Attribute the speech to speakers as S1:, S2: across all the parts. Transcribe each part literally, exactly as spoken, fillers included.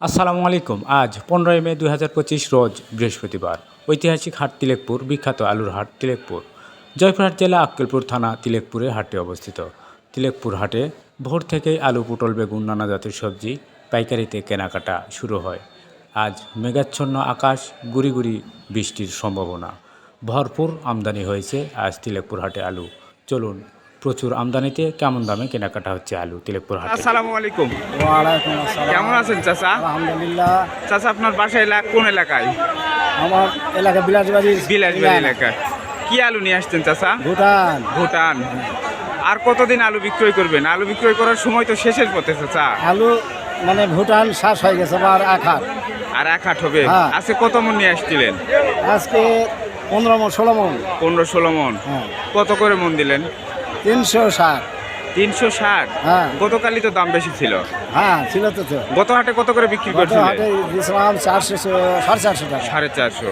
S1: আসসালামু আলাইকুম। আজ পনেরোই মে দুই হাজার পঁচিশ রোজ বৃহস্পতিবার। ঐতিহাসিক হাট তিলেকপুর, বিখ্যাত আলুর হাট তিলেকপুর। জয়পুরহাট জেলা আক্কেলপুর থানা তিলেকপুরে হাটটি অবস্থিত। তিলেকপুর হাটে ভোর থেকেই আলু, পটল, বেগুন, নানা জাতের সবজি পাইকারিতে কেনাকাটা শুরু হয়। আজ মেঘাচ্ছন্ন আকাশ, গুড়ি গুড়ি বৃষ্টির সম্ভাবনা। ভরপুর আমদানি হয়েছে আজ তিলেকপুর হাটে আলু। চলুন, প্রচুর আমদানিতে কেমন দামে কেনাকাটা হচ্ছে আলু তিলেকপুর হাটে।
S2: আসসালামু আলাইকুম।
S3: ওয়ালাইকুম আসসালাম।
S2: কেমন আছেন চাচা?
S3: আলহামদুলিল্লাহ।
S2: চাচা, আপনার বাসা এলাকা কোন এলাকায়?
S3: আমার এলাকা বিলাসবাড়ি।
S2: বিলাসবাড়ি এলাকায়। কি আলু নিয়ে আসছেন চাচা?
S3: ভুটান।
S2: ভুটান। আর কতদিন আলু বিক্রয় করবেন? আলু বিক্রয় করার সময় তো শেষের পথে চাচা।
S3: আলু মানে ভুটান শ্বাস হয়ে গেছে আর এক হাট।
S2: আর এক হাট হবে।
S3: হ্যাঁ।
S2: আজকে কত মন নিয়ে আসছিলেন?
S3: আজকে পনেরো মন ষোলো মন।
S2: পনেরো ষোলো মন।
S3: হ্যাঁ।
S2: কত করে মন দিলেন?
S3: তিনশো ষাট।
S2: তিনশো ষাট।
S3: হ্যাঁ।
S2: গতকালই তো দাম বেশি ছিল।
S3: হ্যাঁ ছিল তো তো।
S2: গত হাটে কত করে বিক্রি
S3: গত
S2: করছিলেন?
S3: হাটে দিয়েছিলাম চারশো সাড়ে চারশো টাকা।
S2: সাড়ে চারশো।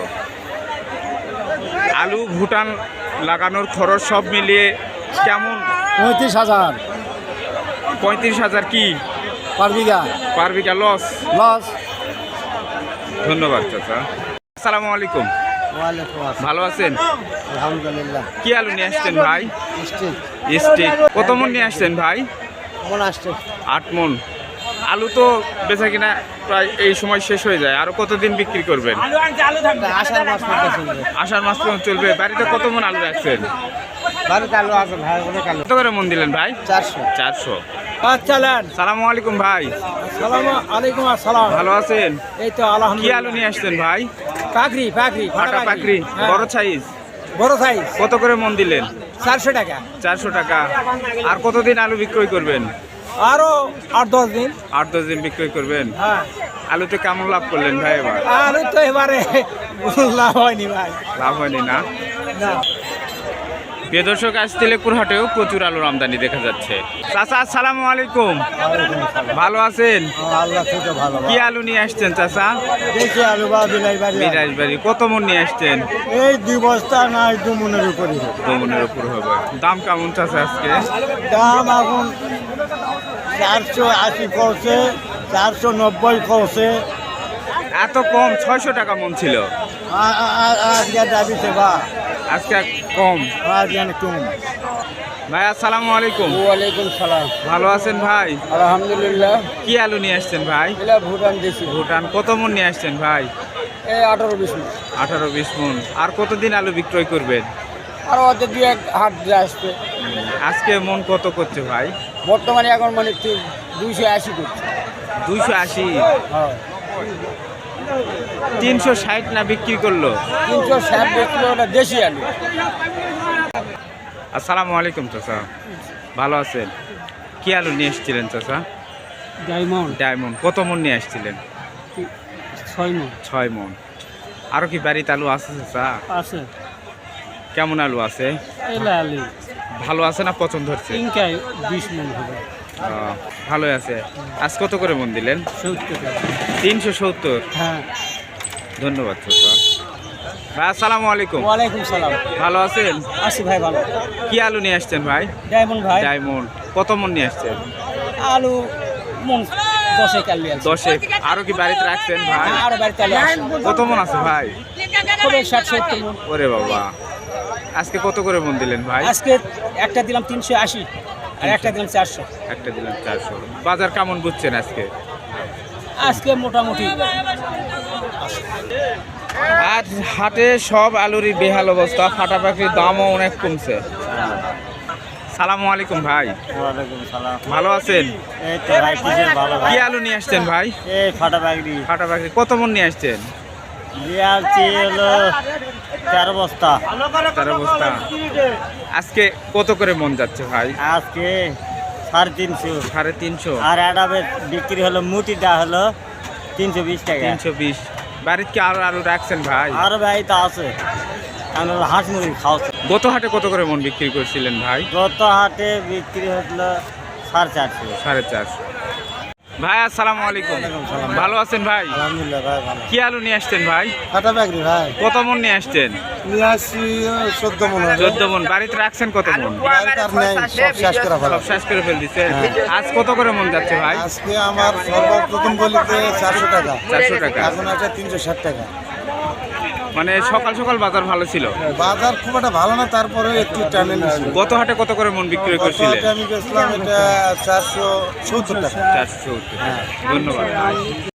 S2: আলু ভুটান লাগানোর খরচ সব মিলিয়ে কেমন?
S3: পঁয়ত্রিশ হাজার
S2: পঁয়ত্রিশ হাজার কি
S3: পার বিঘা।
S2: পার বিঘা লস?
S3: লস।
S2: ধন্যবাদ চাচা। আসসালামু আলাইকুম।
S3: ওয়ালাইকুম আসসালাম।
S2: ভালো আছেন?
S3: আলহামদুলিল্লাহ।
S2: কি আলু নিয়ে আসছেন ভাই?
S3: Stick
S2: stick. কত মন নিয়ে আসছেন ভাই?
S3: মন আসছে।
S2: আট মন। আলু তো বেচা কিনা প্রায় এই সময় শেষ হয়ে যায়, আরো কতদিন বিক্রি করবেন?
S3: আষাঢ় মাস পর্যন্ত চলবে।
S2: আষাঢ় মাস পর্যন্ত চলবে। বাড়িতে কত মন আলু রাখছেন?
S3: বাড়িতে আলু আছে ভাই, অনেক আলু।
S2: কত করে মন দিলেন ভাই?
S3: চারশো।
S2: চারশো।
S3: আচ্ছা নেন।
S2: সালামু আলাইকুম ভাই।
S3: সালামু আলাইকুম আসসালাম।
S2: ভালো আছেন?
S3: এই তো
S2: কি
S3: আলহামদুলিল্লাহ।
S2: আলু নিয়ে আসছেন ভাই?
S3: পাকড়ি পাকড়ি
S2: ফাটা পাকড়ি,
S3: হ্যাঁ।
S2: বড় সাইজ।
S3: বড় সাইজ
S2: কত করে মন দিলেন?
S3: চারশো টাকা।
S2: চারশো টাকা। আর কতদিন আলু বিক্রয় করবেন?
S3: আরো আট দশ দিন।
S2: আট দশ দিন বিক্রয় করবেন।
S3: হ্যাঁ।
S2: আলুতে কেমন লাভ করলেন ভাই এবার?
S3: আলু তো এবারে লাভ হয়নি ভাই।
S2: লাভ হয়নি না?
S3: না।
S2: প্রিয় দর্শক, আজ তিলেকপুর হাটেও প্রচুর আলুর আমদানি দেখা যাচ্ছে। চাচা আসসালামু আলাইকুম। ভালো আছেন?
S3: আল্লাহ থেকে ভালো।
S2: কি আলু নিয়ে আসছেন চাচা?
S3: দেখি আলু বা বিলাই বাড়ি।
S2: বিরাজবাড়ি। কত মন নিয়ে আসছেন?
S3: এই দুই বস্তা না দু মনের উপরে।
S2: দু মনের উপর হবে। দাম কেমন চাচা আজকে?
S3: দাম এখন চারশো আশি করছে, চারশো নব্বই করছে।
S2: এত কম? ছয়শো টাকা মন ছিল।
S3: আজকে দাবিছে বা
S2: আজকে কম।
S3: আজকে কম।
S2: ভাই আসসালামু আলাইকুম।
S3: ওয়ালাইকুম সালাম।
S2: ভালো আছেন ভাই?
S3: আলহামদুলিল্লাহ।
S2: কি আলু নিয়ে আসছেন ভাই?
S3: এটা ভুটান দেশি।
S2: ভুটান। কত মন নিয়ে আসছেন ভাই?
S3: এই আঠারো বিশ মিনিট।
S2: আঠারো বিশ মন। আর কতদিন আলু বিক্রয় করবেন?
S3: আর ওদের দু এক হাট দিয়ে আসবে।
S2: আজকে মন কত করছে ভাই?
S3: বর্তমানে এখন মানে দুইশো আশি করছে।
S2: দুইশো আশি।
S3: হ্যাঁ।
S2: তিনশো ষাট না বিক্রি করলো?
S3: তিনশো ষাট বেচলে ওটা দেশি আলু।
S2: আসসালামু আলাইকুম চাচা। ভালো আছেন? কি আলু নিয়ে এসেছিলেন চাচা?
S3: ডায়মন্ড।
S2: ডায়মন্ড। কত মন নিয়ে আসছিলেন?
S3: ছয় মন
S2: ছয় মন। আরো কি বাড়িতে আলু আছে চাচা?
S3: আছে।
S2: কেমন আলু আছে?
S3: এলা আলু
S2: ভালো আছে না পছন্দ হচ্ছে?
S3: তিনটায় বিশ মন হবে।
S2: আহ, ভালোই আছে। আজ কত করে মন দিলেন?
S3: সত্তর টাকা।
S2: তিনশো সত্তর।
S3: হ্যাঁ।
S2: ধন্যবাদ চাচা। ভাই আসসালামু আলাইকুম।
S3: ওয়ালাইকুম সালাম।
S2: ভালো আছেন?
S3: আছি ভাই ভালো।
S2: কি আলু নিয়ে আসছেন ভাই?
S3: ডায়মন্ড ভাই।
S2: ডায়মন্ড। কত মন নিয়ে আসছেন?
S3: আলু মন দশেক আলু আছে।
S2: দশে। আরো কি বাড়িতে রাখছেন ভাই?
S3: আরো বাড়িতে আলু আছে।
S2: কত মন আছে ভাই?
S3: হবে ষাট সত্তর মন।
S2: ওরে বাবা। আজকে কত করে মন দিলেন ভাই?
S3: আজকে একটা দিলাম তিনশো আশি আর একটা দিলাম চারশো।
S2: একটা দিলাম চারশো। বাজার কেমন বুঝছেন আজকে?
S3: আজকে মোটামুটি
S2: আর হাটে সব আলুরই বেহাল অবস্থা। ফাটা পাখির দামও অনেক কমছে। সালামু আলাইকুম ভাই।
S3: ওয়ালাইকুম সালাম।
S2: ভালো আছেন?
S3: এই তো ভাই কিসের ভালো ভাই।
S2: কি আলু নিয়ে আসছেন ভাই?
S3: এই ফাটা বাগড়ি
S2: ফাটা পাখি। কত মন নিয়ে আসছেন?
S3: দিয়ালছি হলো তেরো বস্তা।
S2: তার অবস্থা। আজকে কত করে মন যাচ্ছে ভাই?
S3: আজকে সাড়ে তিনশো।
S2: সাড়ে তিনশো।
S3: আর একটা বিক্রি হলো মুটিটা হলো তিনশো বিশ টাকা।
S2: তিনশো বিশ। বাড়িতে কি আরো আলু রাখছেন ভাই?
S3: আর ভাই তো আছে, আমরা হাঁস মুরগি খাওয়াচ্ছে।
S2: গত হাটে কত করে মন বিক্রি করছিলেন ভাই?
S3: গত হাটে বিক্রি হলো সাড়ে চারশো।
S2: সাড়ে চারশো। ভাই আসসালামু আলাইকুম। ভালো আছেন ভাই?
S4: আলহামদুলিল্লাহ ভাই ভালো।
S2: কি আলু নিয়ে আসছেন ভাই?
S4: কাটা ব্যাগরি ভাই
S2: কত মন নিয়ে আসছেন?
S4: নিয়ে আসছি চোদ্দ মনে হয়।
S2: চোদ্দ মন। বাড়িতে রাখছেন কত মন?
S4: বাইরে কার নেই, সব শেষ করা ভালো।
S2: সব শেষ করে ফেল দিছে। আজ কত করে মন যাচ্ছে ভাই?
S4: আজকে আমার সর্বপ্রথম বলিতে চারশো টাকা,
S2: চারশো টাকা।
S4: এখন আছে তিনশো ষাট টাকা।
S2: মানে সকাল সকাল বাজার ভালো ছিল।
S4: বাজার খুব একটা ভালো না, তারপরে একটু টানে নিয়েছিল।
S2: গত হাটে কত করে মন বিক্রি
S4: গত
S2: করছিলেন?
S4: হাটে আমি বেচলাম এটা চারশো সত্তর টাকা।
S2: চারশো সত্তর। ধন্যবাদ।